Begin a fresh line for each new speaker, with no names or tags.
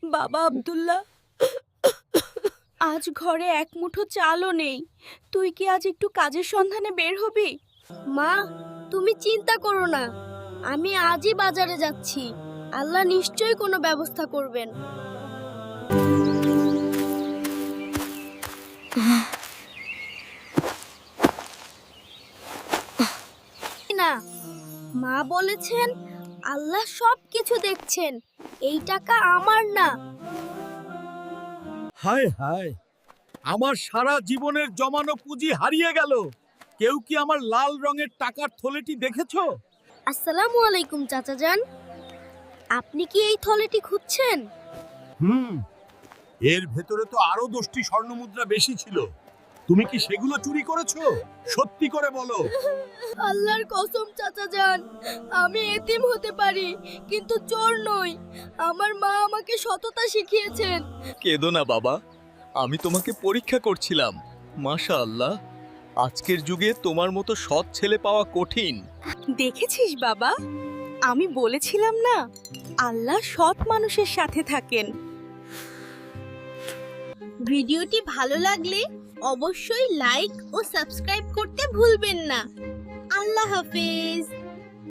বাবা আব্দুল্লাহ, আজ ঘরে এক মুঠো চালও নেই। তুই কি আজ একটু কাজের সন্ধানে বের হবি?
মা, তুমি চিন্তা করো না, আমি আজই বাজারে যাচ্ছি। আল্লাহ নিশ্চয়ই কোনো ব্যবস্থা করবেন। না, মা বলেছেন আল্লাহ সব কিছু দেখছেন, এই টাকা আমার না।
হায় হায়, আমার সারা জীবনের জমানো পুঁজি হারিয়ে গেল। কেউ কি আমার লাল রঙের টাকার থলেটি দেখেছো?
আসসালামু আলাইকুম চাচা যান, আপনি কি এই থলেটি খুঁজছেন?
এর ভেতরে তো আরো 10টি স্বর্ণমুদ্রা বেশি ছিল। তুমি কি সেগুলো চুরি করেছো? সত্যি করে বলো।
আল্লাহর কসম চাচা যান, আমি এতিম হতে পারি কিন্তু চোর নই। আমার মা আমাকে সততা শিখিয়েছেন।
কেঁদো না বাবা, আমি তোমাকে পরীক্ষা করছিলাম। মাশাআল্লাহ, আজকের যুগে তোমার মতো সৎ ছেলে পাওয়া কঠিন।
দেখেছিস বাবা, আমি বলেছিলাম না, আল্লাহ সৎ মানুষের সাথে থাকেন।
ভিডিওটি ভালো লাগলে অবশ্যই লাইক ও সাবস্ক্রাইব করতে ভুলবেন না। আল্লাহ হাফেজ।